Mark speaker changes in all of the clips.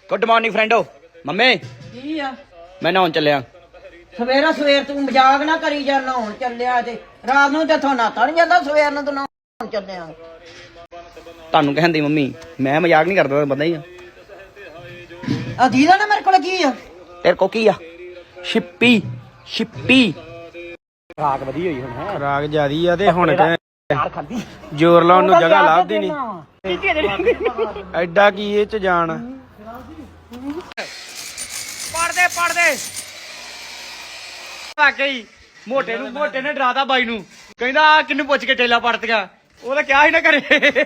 Speaker 1: Good morning ਫਰੈਂਡੋ। Mummy
Speaker 2: ਕੀ ਆ
Speaker 1: ਮੈਂ ਨਹਾਉਣ ਚੱਲਿਆ।
Speaker 2: ਸਵੇਰ ਤੂੰ ਮਜ਼ਾਕ ਨਾ ਕਰੀ ਜਾ, ਨਹਾਉਣ ਚੱਲਿਆ ਤੇ ਰਾਤ ਨੂੰ ਤੇ ਥੋਨਾ ਤਾਂ ਨਹੀਂ ਜਾਂਦਾ, ਸਵੇਰ ਨੂੰ ਤੂੰ ਨਹਾਉਣ ਚੱਲਿਆ।
Speaker 1: ਤੁਹਾਨੂੰ ਕਹਿੰਦੀ ਮੰਮੀ ਮੈਂ ਮਜ਼ਾਕ ਨਹੀਂ ਕਰਦਾ, ਪਤਾ ਹੀ ਆ।
Speaker 2: ਆ ਦੀਦਾ ਨਾ ਮੇਰੇ ਕੋਲ ਕੀ ਆ?
Speaker 1: ਤੇਰੇ ਕੋ ਕੀ ਆ? ਛਿੱਪੀ ਛਿੱਪੀ ਰਾਗ ਵਧੀ ਹੋਈ ਹੁਣ ਹੈ।
Speaker 3: ਰਾਗ ਜਿਆਦੀ ਆ ਤੇ ਹੁਣ
Speaker 1: ਯਾਰ ਖਾਂਦੀ
Speaker 3: ਜ਼ੋਰ ਲਾਉਣ ਨੂੰ ਜਗ੍ਹਾ ਲੱਭਦੀ ਨਹੀਂ। ਐਡਾ ਕੀ ਇਹ ਚ ਜਾਣ।
Speaker 1: ਪੜਦੇ ਵਾਕਈ ਮੋਟੇ ਨੇ ਡਰਾਤਾ ਬਾਈ ਨੂੰ, ਕਹਿੰਦਾ ਕਿੰਨੂੰ ਪੁੱਛ ਕੇ ਟੇਲਾ ਪੜਤ ਗਿਆ, ਉਹ ਤਾਂ ਕਿਹਾ ਹੀ ਨਾ ਕਰੇ।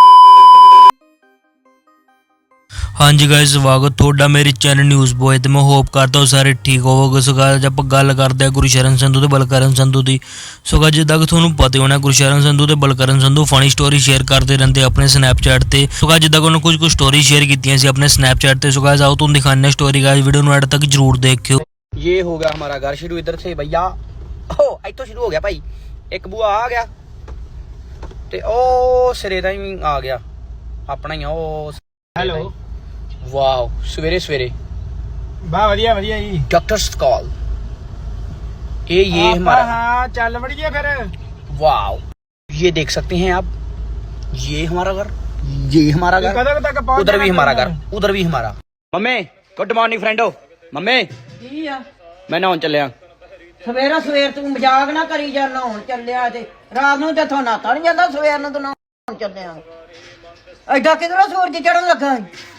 Speaker 4: ਹਾਂਜੀ ਗਾਇਸ, ਸਵਾਗਤ ਤੁਹਾਡਾ ਮੇਰੇ ਚੈਨਲ ਨਿਊਜ਼ ਬੋਏ ਤੇ ਮੈਂ ਹੋਪ ਕਰਦਾ ਹਾਂ ਸਾਰੇ ਠੀਕ ਹੋਵੋਗੇ। ਸੋ ਗਾਇਸ ਆਪਾਂ ਗੱਲ ਕਰਦੇ ਹਾਂ ਗੁਰਸ਼ਰਨ ਸੰਧੂ ਤੇ ਬਲਕਰਨ ਸੰਧੂ ਦੀ। ਸੋ ਗਾਇਸ ਜਿੱਦਾਂ ਕਿ ਤੁਹਾਨੂੰ ਪਤਾ ਹੋਣਾ ਗੁਰਸ਼ਰਨ ਸੰਧੂ ਤੇ Balkaran Sandhu funny story share ਕਰਦੇ ਰਹਿੰਦੇ ਆਪਣੇ ਸਨੈਪਚੈਟ ਤੇ। ਸੋ ਗਾਇਸ ਜਿੱਦਾਂ ਕਿ ਉਹਨਾਂ ਕੁਝ ਸਟੋਰੀ ਸ਼ੇਅਰ ਕੀਤੀਆਂ ਸੀ ਆਪਣੇ ਸਨੈਪਚੈਟ ਤੇ। ਸੋ ਗਾਇਸ ਆਓ ਤੁਹਾਨੂੰ ਦਿਖਾਉਂਦੇ ਹਾਂ ਸਟੋਰੀ। ਗਾਇਸ ਵੀਡੀਓ ਨੂੰ ਐਡ ਤੱਕ ਜਰੂਰ ਦੇਖਿਓ।
Speaker 1: ये हो गया हमारा घर शुरू इधर से भैया। ओ इतो शुरू हो गया भाई, एक बुआ आ गया ते ओ सिरे दा ही आ गया अपना ही। ओ
Speaker 3: ਹੈਲੋ
Speaker 1: वाओ सवेरे सवेरे
Speaker 3: ਬਾ ਵਧੀਆ ਵਧੀਆ ਜੀ।
Speaker 1: Doctors call. ये हमारा
Speaker 3: ਹਾਂ ਚੱਲ ਵੜੀਏ ਫਿਰ।
Speaker 1: वाओ ये देख सकते हैं आप, ये हमारा घर, ये हमारा घर,
Speaker 3: ਕਦੋਂ ਤੱਕ ਪਹੁੰਚ
Speaker 1: उधर भी हमारा घर, उधर भी हमारा। मम्मी गुड मॉर्निंग फ्रेंडो। मम्मी
Speaker 2: ਕੀ ਆ
Speaker 1: मैं नहाउन चलिया।
Speaker 2: ਸਵੇਰ ਤੂੰ ਮਜ਼ਾਕ ਨਾ ਕਰੀ ਜਾ, ਨਹਾਉਣ ਚੱਲਿਆ ਤੇ ਰਾਤ ਨੂੰ ਤੇ ਥੋਨਾ ਤਾਂ ਨਹੀਂ ਜਾਂਦਾ, ਸਵੇਰ ਨੂੰ ਤੂੰ ਨਹਾਉਣ ਚੱਲਿਆ। ਐਡਾ ਕਿਧਰੋਂ ਸੂਰਜ ਚੜਨ ਲੱਗਾ?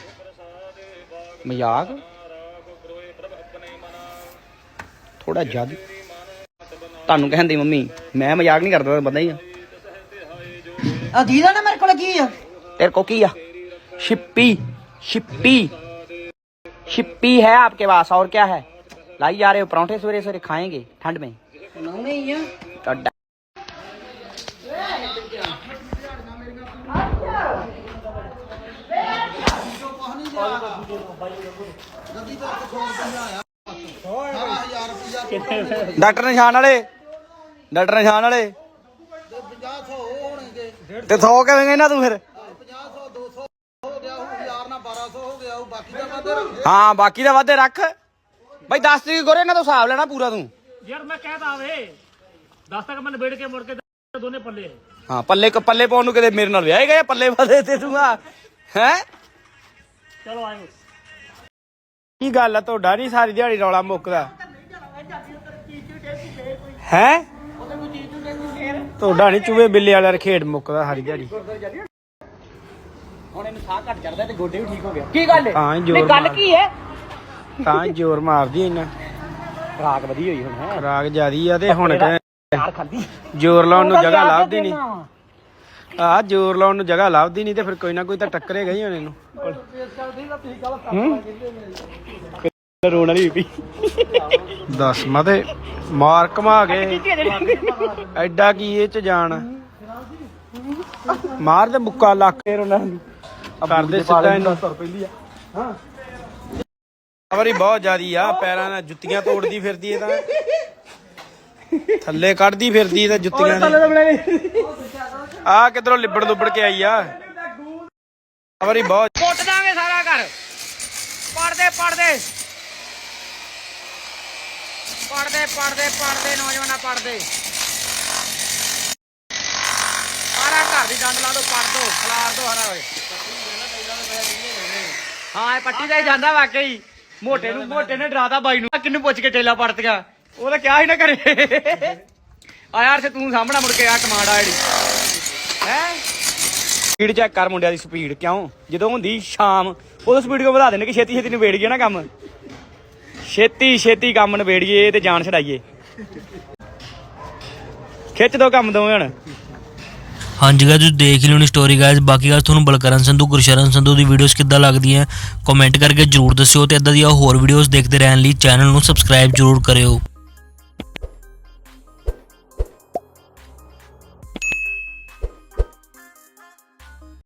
Speaker 1: मजाक थोड़ा ज्यादा ਤੁਹਾਨੂੰ ਕਹਿੰਦੀ ਮੰਮੀ ਮੈਂ ਮਜ਼ਾਕ ਨਹੀਂ ਕਰਦਾ, ਪਤਾ ਹੀ ਆ।
Speaker 2: ਆ ਦੀਦਾ ਨਾ ਮੇਰੇ ਕੋਲ ਕੀ ਆ?
Speaker 1: तेरे को की छिप्पी छिप्पी छिप्पी है आपके पास, और क्या है? लाई जा रहे हो परांठे सवेरे सवेरे, खाएंगे ठंड में?
Speaker 2: ਨੌਵੇਂ ਹੀ ਆ।
Speaker 1: तो डॉक्टर निशान वाले ते 100 कहेंगे ना तू फिर? हाँ बाकी ਦਾ ਵਾਧੇ ਰੱਖ ਬਈ। 10 ਤਰੀਕ ਗੋਰੇ ਨਾ ਤੂੰ ਹਿਸਾਬ ਲੈਣਾ ਪੂਰਾ ਤੂੰ।
Speaker 5: ਯਾਰ ਮੈਂ ਕਹਿਤਾ ਆਵੇ 10 ਤੱਕ ਮੈਂ ਨਿਬੇੜ ਕੇ ਮੁੜ ਕੇ ਦੋਨੇ ਪੱਲੇ।
Speaker 1: ਹਾਂ ਪੱਲੇ ਪਾਉਣ ਨੂੰ ਕਿਤੇ ਮੇਰੇ ਨਾਲ ਵਿਆਹ ਗਏ ਪੱਲੇ ਵਾਦੇ ਤੇ ਤੂੰ ਆ ਹੈ।
Speaker 5: ਚਲੋ ਆਇਓ।
Speaker 3: ਕੀ ਗੱਲ ਆ ਤੁਹਾਡਾ ਨਹੀਂ ਸਾਰੀ ਦਿਹਾੜੀ ਰੌਲਾ ਮੁੱਕਦਾ ਹੈ? ਤੁਹਾਡਾ ਨਹੀਂ ਚੂਹੇ ਬਿੱਲੇ ਵਾਲਾ ਰਖੇੜ ਮੁੱਕਦਾ ਸਾਰੀ ਦਿਹਾੜੀ।
Speaker 1: ਹੁਣ ਇਹਨੂੰ ਸਾਹ ਘੱਟ ਚੜਦਾ ਤੇ ਗੋਡੇ ਵੀ ਠੀਕ ਹੋ ਗਿਆ। ਕੀ ਗੱਲ ਹੈ?
Speaker 3: ਤਾਂ ਜ਼ੋਰ
Speaker 1: ਗੱਲ ਕੀ ਹੈ?
Speaker 3: ਤਾਂ ਜ਼ੋਰ ਮਾਰਦੀ ਇੰਨਾ।
Speaker 1: ਰਾਗ ਵਧੀ ਹੋਈ ਹੁਣ ਹੈ।
Speaker 3: ਰਾਗ ਜਿਆਦੀ ਆ ਤੇ ਹੁਣ
Speaker 1: ਯਾਰ ਖਾਂਦੀ
Speaker 3: ਜ਼ੋਰ ਲਾਉਣ ਨੂੰ ਜਗ੍ਹਾ ਲੱਭਦੀ ਨਹੀਂ। ਆ ਜ਼ੋਰ ਲਾਉਣ ਨੂੰ ਜਗ੍ਹਾ ਲੱਭਦੀ ਨਹੀਂ ਤੇ ਫਿਰ ਕੋਈ ਨਾ ਕੋਈ ਤਾਂ ਟੱਕਰੇਗਾ ਹੀ ਹੁਣ ਇਹਨੂੰ।
Speaker 1: ਰੋਣਾ ਨਹੀਂ ਪਈ
Speaker 3: ਦੱਸ ਮਤੇ ਮਾਰ ਘਮਾ ਗਏ। ਐਡਾ ਕੀ ਇਹ ਚ ਜਾਣ। ਮਾਰ ਦੇ ਮੁੱਕਾ ਲੱਕ ਫੇਰ ਉਹਨਾਂ ਨੂੰ ਕਰਦੇ ਸਿੱਧਾ ਇਹਨੂੰ। ਖਬਰ ਹੀ ਬਹੁਤ ਜ਼ਿਆਦੀ ਆ, ਪੈਰਾਂ ਨਾਲ ਜੁੱਤੀਆਂ ਤੋੜਦੀ ਫਿਰਦੀ ਇਹ ਤਾਂ, ਥੱਲੇ ਕੱਢਦੀ ਫਿਰਦੀ ਤਾਂ ਜੁੱਤੀਆਂ ਦੀ। ਆ ਕਿਧਰੋਂ ਲਿਬੜ ਲੁਬੜ ਕੇ ਆਈ ਆ। ਖਬਰ ਹੀ ਬਹੁਤ।
Speaker 1: ਕੁੱਟ ਦਾਂਗੇ ਸਾਰਾ ਘਰ। ਪੜਦੇ ਨੌਜਵਾਨਾਂ ਪੜਦੇ। ਸਾਰਾ ਘਰ ਦੀ ਡੰਡ ਲਾ ਦੋ, ਪੜ ਦੋ, ਖਲਾਰ ਦੋ ਹਰਾ ਹੋਏ। ਹਾਂ ਇਹ ਪੱਟੀ ਦਾ ਹੀ ਜਾਂਦਾ ਵਾਕਈ। ਮੋਟੇ ਨੇ ਡਰਾਤਾ ਬਾਈ ਨੂੰ, ਕਿੰਨੂੰ ਪੁੱਛ ਕੇ ਟੇਲਾ ਪੜਤ ਗਿਆ, ਉਹ ਤਾਂ ਕਿਹਾ ਹੀ ਨਾ ਕਰੇ। ਆ ਯਾਰ ਤੇ ਤੂੰ ਸਾਹਮਣਾ ਮੁੜ ਕੇ ਆ ਕਮਾਂਡ ਆ ਜਿਹੜੀ ਹੈ। ਸਪੀਡ ਚੈੱਕ ਕਰ ਮੁੰਡਿਆਂ ਦੀ ਸਪੀਡ। ਕਿਉਂ ਜਦੋਂ ਹੁੰਦੀ ਸ਼ਾਮ ਉਦੋਂ ਸਪੀਡ ਕਿਉਂ ਵਧਾ ਦਿੰਦੇ ਕਿ ਛੇਤੀ ਨਿਬੇੜ ਗਏ ਨਾ ਕੰਮ। ਛੇਤੀ ਕੰਮ ਨਿਬੇੜੀਏ ਤੇ ਜਾਨ ਛਡਾਈਏ। ਖਿੱਚ ਦੋ ਕੰਮ ਦੋਵੇਂ ਹੁਣ।
Speaker 4: ਹਾਂਜੀ ਗਾਇਸ ਤੁਸੀਂ ਦੇਖ ਲਿਓ ਨੀ ਸਟੋਰੀ ਗਾਇਸ। ਬਾਕੀ ਗੱਲ ਤੁਹਾਨੂੰ ਬਲਕਰਨ ਸੰਧੂ ਗੁਰਸ਼ਰਨ ਸੰਧੂ ਦੀ ਵੀਡੀਓਜ਼ ਕਿੱਦਾਂ ਲੱਗਦੀਆਂ ਕਮੈਂਟ ਕਰਕੇ ਜਰੂਰ ਦੱਸਿਓ ਤੇ ਇਦਾਂ ਦੀਆਂ ਹੋਰ ਵੀਡੀਓਜ਼ ਦੇਖਦੇ ਰਹਿਣ ਲਈ ਚੈਨਲ ਨੂੰ ਸਬਸਕ੍ਰਾਈਬ ਜਰੂਰ ਕਰਿਓ।